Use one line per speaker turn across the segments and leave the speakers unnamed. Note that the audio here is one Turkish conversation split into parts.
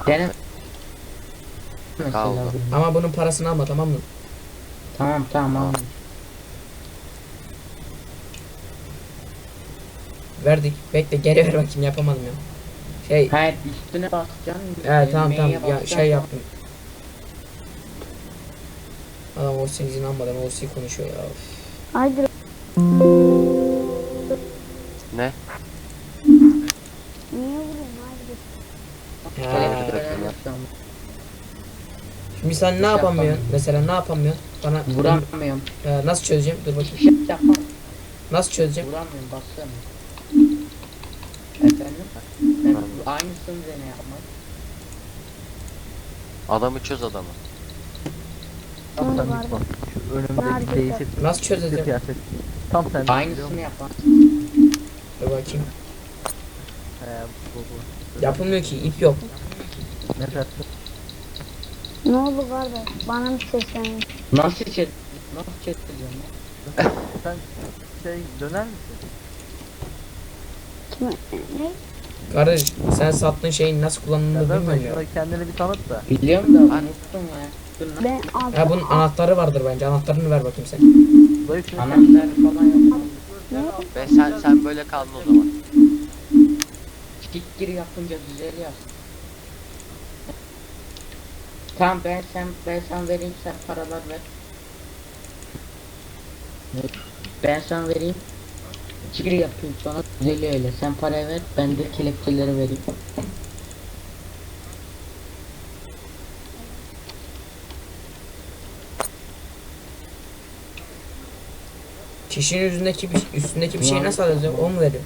Dene
Kaldı.
mesela.
Ama bunun parasını alma, tamam mı?
Tamam tamam.
Verdik. Bekle, geri ver bakayım, yapamadım ya. Şey,
Hayır, üstüne basacaksın.
evet tamam
M'ye
tamam ya,
basacaksın.
şey yaptım. Adam Orsi'nin izin almadan Orsi konuşuyor ya. Of.
Haydi.
Ne?
Niye vurayım haydi.
Ha.
bırakın ya.
Şimdi sen ne yapamıyorsun? Mesela ne yapamıyorsun? Bana
Vuramıyorum.
nasıl çözeceğim? Dur bakayım.
Şey yapamam.
Nasıl çözeceğim?
Vuramıyorum, basıyorum. Efendim? Ben aynısını dene yapmak.
Adamı çöz adamı.
Ne oldu kardeş?
Şu önümdeki değişik
Nasıl çözeceğim?
kıyafet. Tam sen
Aynısını yapmak.
Dur bakayım.
bu.
Yapılmıyor ki, ip yok.
Ne dersin?
Ne oldu kardeş? Bana mı seslendin?
Nasıl çet? Nasıl çeteceğim ya?
Sen şey döner misin?
Kime? Ne?
Kardeş, sen sattığın şeyin nasıl kullanıldığını
Ya da
bilmiyorum ya.
şurada kendini bir tanıt da.
Biliyorum da unuttum ya. Dur lan.
Ben altı.
Ya bunun anahtarı vardır bence. Anahtarını ver bakayım sen.
Dayı şunu sen
Anahtar falan yapmam.
Ve sen böyle kaldın o zaman.
Kick gir yapınca düzeliyor. Tamam, ben sen vereyim, sen paralar ver. Ben sana vereyim. Gir yapayım, sonra düzeliyor öyle. Sen parayı ver, ben de kelepçeleri vereyim.
Kişinin üstündeki bir şeyi nasıl alacağım? O mu veriyor?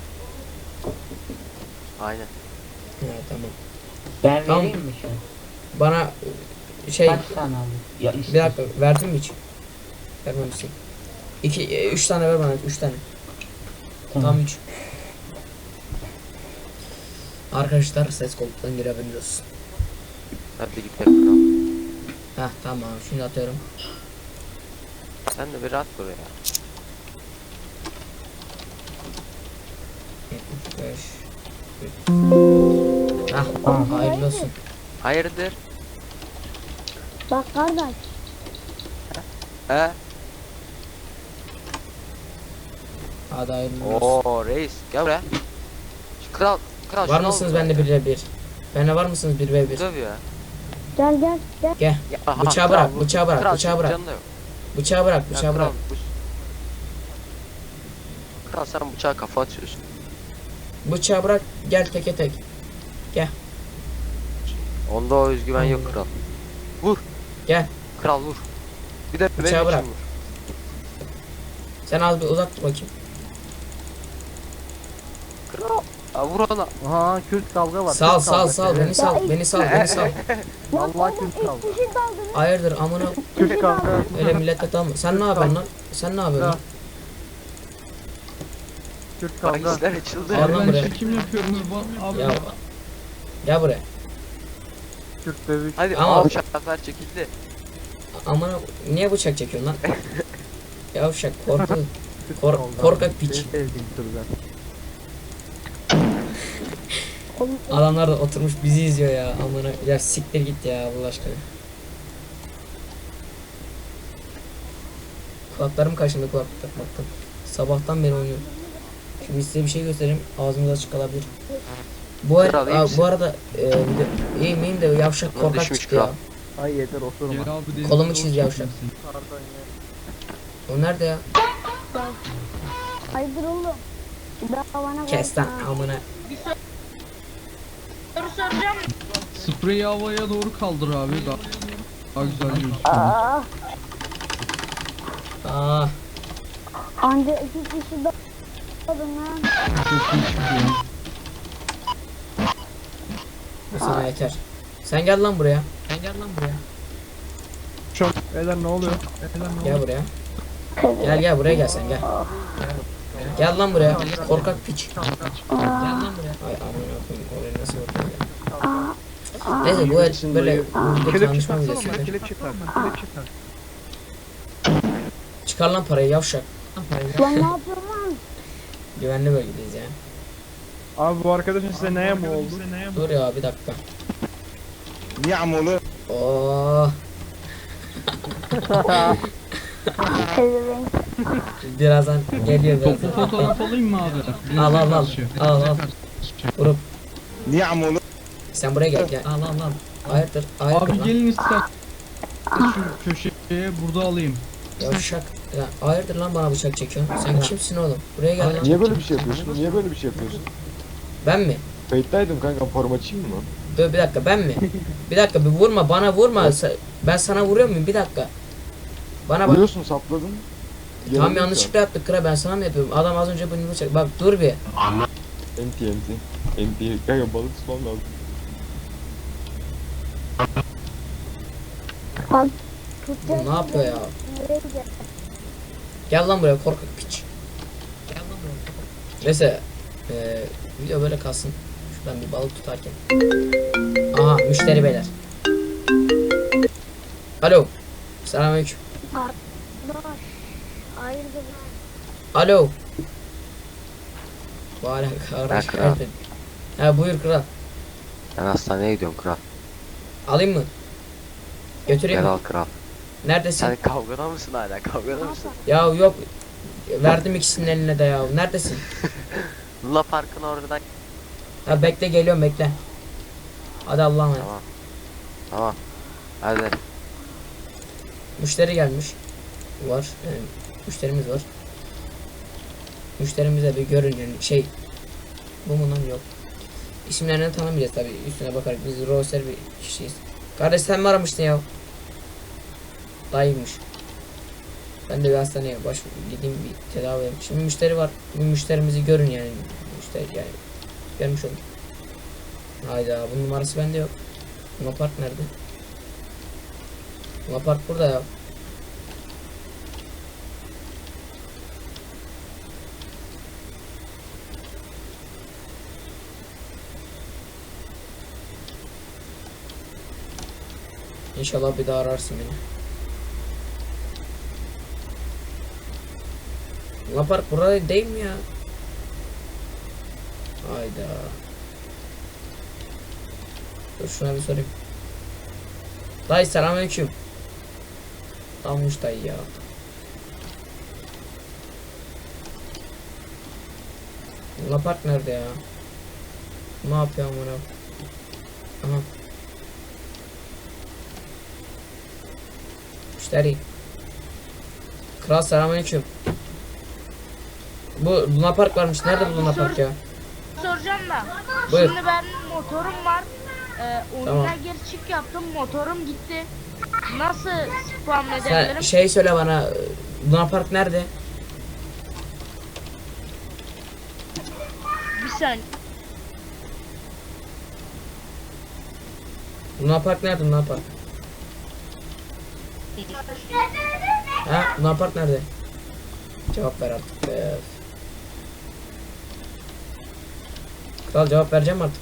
Aynen.
Ha, tamam.
Ben
Tamam.
vereyim mi şu an?
Bana şey,
Kaç tane aldın? Ya
bir dakika, verdin mi hiç? Vermemişsin. 3 tane ver bana, 3 tane. Tam 3. Arkadaşlar, ses koltuktan geri haberiniz olsun.
Hadi gidelim kral.
Heh tamam, şimdi atıyorum.
Sen de bir rahat dur ya.
75. Hah, hayırlı olsun.
Hayırdır?
Bak kardeş.
He?
Hadi hayırlı olsun.
Oo reis gel buraya. Şu kral
Var
şunu
mısınız
al
bende
buraya.
1v1? Bende var mısınız 1v1?
Dövüyor.
Gel gel gel.
Gel.
Ya, aha,
Bıçağı
kral,
bırak,
vur.
bıçağı bırak,
Kral,
bıçağı bırak.
canı da yok.
Bıçağı bırak,
Ya,
bıçağı bırak.
Kral sen bıçağı kafa atıyorsun.
Bıçağı bırak, gel teke tek.
Onda o özgüven yok kral. Vur.
Gel.
Kral vur. Bir de
Bıçağı
benim
bırak.
için vur.
Sen az bir uzak dur bakayım.
Kral. Ha, vur ona.
Aha Kürt kavga var.
Sal
Kürt
sal
kavga.
sal, beni
Evet.
sal, beni sal, beni sal.
Vallahi Kürt kavga.
Kişi daldınız.
Hayırdır amına,
Kürt kavga.
öyle millete tamam. Sen ne yapıyorsun lan? Sen ne yapıyorsun lan?
Kürt kavga.
Bahisler açıldı.
Al lan buraya.
Çekim yapıyorsunuz abi.
Ya. Gel buraya.
Kürt dövüş.
Hadi
Ama-
ama bıçaklar çekildi.
Amına, niye bıçak çekiyorsun lan? Yavşak, korku.
Kürt
Kor-
kavga.
korkak piç.
Seni sevdiğim türden.
Oğlum
Adamlar da oturmuş bizi izliyor ya. Amına, ya siktir git ya Allah aşkına. Kulaklarım kaşındı kulaklık takmaktan. Sabahtan beri oynuyorum. Şimdi size bir şey göstereyim. Ağzınız açık kalabilir.
Kral, iyi misin?
Bu arada iyiyim iyiyim de yavşak
Lan
korkak
düşmüş
çıktı ya.
kral.
Ay yeter oturma.
Gel abi denize
Kolumu
doğru
çiz yavşak.
çekmişsin.
Pardon ya.
O nerede ya?
hayırdır oğlum? Daha bana
Kes lan
bakma.
amına.
Spreyi havaya doğru kaldır abi. Daha güzel gözüküyor.
Aa,
Aa,
anca 2 kişi daldın lan.
Çok iyi çıkıyor.
bu sana yeter. Sen gel lan buraya. Sen gel lan buraya.
Beyler ne oluyor?
Gel buraya. Gel buraya gel sen gel. Gel lan buraya. Korkak piç. Gel lan buraya. Ay amına koyayım, oraya nasıl bakıyor ya. Neyse bu el böyle bir tanışma videosu. Çıkar lan parayı yavşak.
Lan ne yapıyorsun lan?
Güvenli bölgedeyiz ya.
Abi bu arkadaşın size neye mi oldu?
Dur ya bir dakika. Oh.
Pezevenk.
Birazdan geliyor
Toplu
birazdan.
fotoğraf alayım mı abi?
Al al al. Al al. Vurup.
Niye amolu?
Sen buraya gel gel. Al al al. Hayırdır? Hayırdır
Abi
lan?
gelin ister. Şu köşeye burada alayım.
Yavşak. Ya, hayırdır lan bana bıçak çekiyorsun? Sen kimsin oğlum? Buraya gel lan.
Niye böyle bir şey yapıyorsun? Niye böyle bir şey yapıyorsun?
Ben mi?
Kayıttaydım kanka, form açayım mı?
Dur bir dakika, ben mi? Bir dakika, bir vurma, bana vurma. Ben sana vuruyor muyum? Bir dakika. Bana bak.
Vuruyorsun, sapladın.
Tam
Yanılıyorsun.
yanlışlıkla yaptık kıra, ben sana mı yapıyorum? Adam az önce bunu bıçak. Bak dur bir.
Enti. Kanka balık tutmam lazım.
Bak. Tutacak.
Bu ne yapıyor ya?
Nereye gidiyor?
Gel lan buraya korkak piç. Neyse. Video böyle kalsın. Şuradan bir balık tutarken. Aha müşteri beyler. Alo. Selamünaleyküm.
Arkadaş. Hayırdır?
Alo. Vay
Ben
kardeş.
kral.
Ha buyur kral.
Ben hastaneye gidiyorum kral.
Alayım mı? Götüreyim
Gel
mi?
al kral.
Neredesin?
Sen kavgada mısın hala? Kavgada mısın?
Ya yok. Verdim ikisinin eline de ya. Neredesin?
Luna Park'ın oradan.
Ha bekle, geliyorum bekle. Hadi Allah'a emanet.
Tamam. Tamam. Hadi.
Müşteri gelmiş. Var. Müşterimiz var. Müşterimize bir görün yani şey. Bu mu lan, yok. İsimlerini tanımayacağız tabi, üstüne bakarak biz roster bir kişiyiz. Kardeş sen mi aramıştın ya? Dayıymış. Ben de bir hastaneye gideyim bir tedavi edeyim. Şimdi müşteri var. Bir müşterimizi görün yani. Müşteri yani. Görmüş olun. Hayda, bunun numarası bende yok. Luna Park nerede? Luna Park burada ya. İnşallah bir daha ararsın beni. Luna Park burada değil mi ya? Hayda. Dur şuna bir sorayım. Dayı selamünaleyküm. Almış dayı ya. Luna Park nerede ya? Ne yapıyor amına? Aha. Müşteri. Kral selamünaleyküm. Bu Luna Park varmış. Nerede bu Luna Park ya?
Soracağım da.
Buyur.
Şimdi ben motorum var. Oyuna
Tamam.
gir çık yaptım. Motorum gitti. Nasıl spam
Sen
edebilirim?
şey söyle bana. Luna Park nerede?
Bir saniye.
Luna Park nerede? Luna Park. Ha? Luna Park nerede? Cevap ver artık be. Kral cevap vereceğim artık.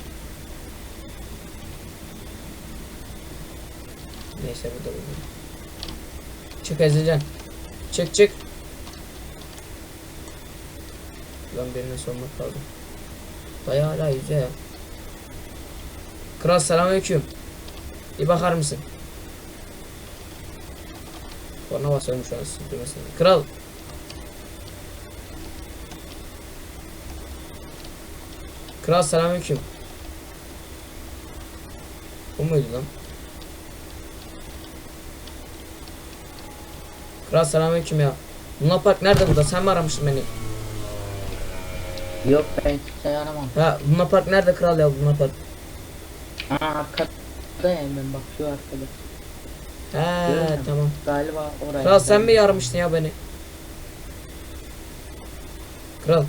Neyse burada. Çık Ezilcan. Çık. Lan birine sormak lazım. Dayı hala yüzüyor ya. Kral selamünaleyküm. Bir bakar mısın? Korna basıyorum şu an sürdürmesine. Kral. Kral selamünaleyküm. Bu muydu lan? Kral selamünaleyküm ya. Luna Park nerede burada? Sen mi aramıştın beni?
Yok, ben kimseyi aramam.
Ha Luna Park nerede kral ya, Luna Park?
Aa, arkada ya, ben bak şu arkada.
He
Görüyorum.
tamam.
Galiba oraya.
Kral sen mi aramıştın ya beni? Kral.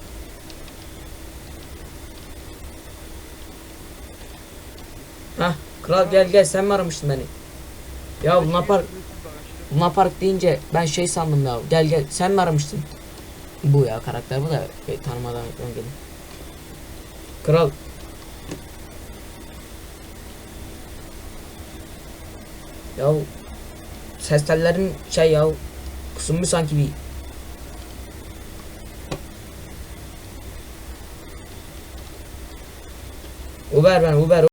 Hah kral gel sen mi aramıştın beni? Ya Luna Park deyince ben şey sandım ya. Gel sen mi aramıştın? Bu ya karakter, bu da tanımadan geldim. Kral. Ya ses tellerin şey ya kısılmış sanki bir. Uber.